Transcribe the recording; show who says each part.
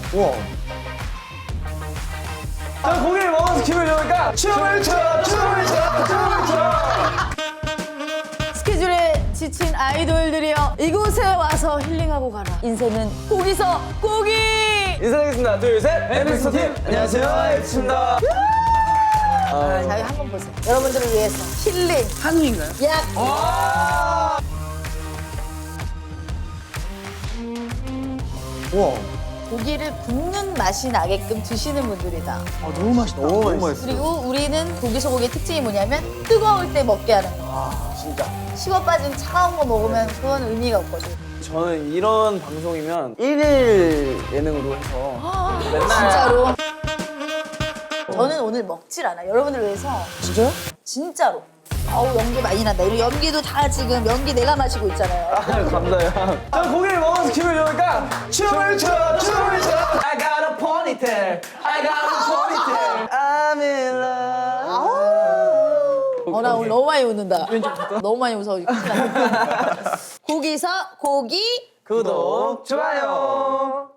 Speaker 1: 우와. 자, 고기를 먹어서 기분이 좋으니까 춤을 춰.
Speaker 2: 스케줄에 지친 아이돌들이여 이곳에 와서 힐링하고 가라. 인생은 고기서 고기.
Speaker 1: 인사드리겠습니다. 둘, 셋. 엠비스 팀. 안녕하세요. 엠비스입니다.
Speaker 2: 자, 이거 한번 보세요. 여러분들을 위해서 힐링.
Speaker 3: 한우인가요?
Speaker 2: 약.
Speaker 1: 우와.
Speaker 2: 고기를 굽는 맛이 나게끔 드시는 분들이다.
Speaker 3: 아, 너무 맛있다.
Speaker 1: 너무 맛있어.
Speaker 2: 그리고 우리는 고기 소고기의 특징이 뭐냐면 뜨거울 때 먹게 하는 거.
Speaker 1: 아, 진짜.
Speaker 2: 식어 빠진 차가운 거 먹으면 그건 의미가 없거든.
Speaker 1: 저는 이런 방송이면 1일 예능으로 해서 맨날.
Speaker 2: 진짜로. 저는 오늘 먹질 않아. 여러분들 위해서.
Speaker 1: 진짜요?
Speaker 2: 진짜로. 아우 연기 많이 난다. 이런 연기도 다 지금 연기 내가 마시고 있잖아요.
Speaker 1: 아, 감사해요. 자, 고기를 먹어서 기분이 좋으니까 춤을 춰. I got a ponytail. I'm in love.
Speaker 2: 나 오늘 너무 많이 웃는다. 너무 많이 웃어. 고기서 고기.
Speaker 1: 구독, 좋아요.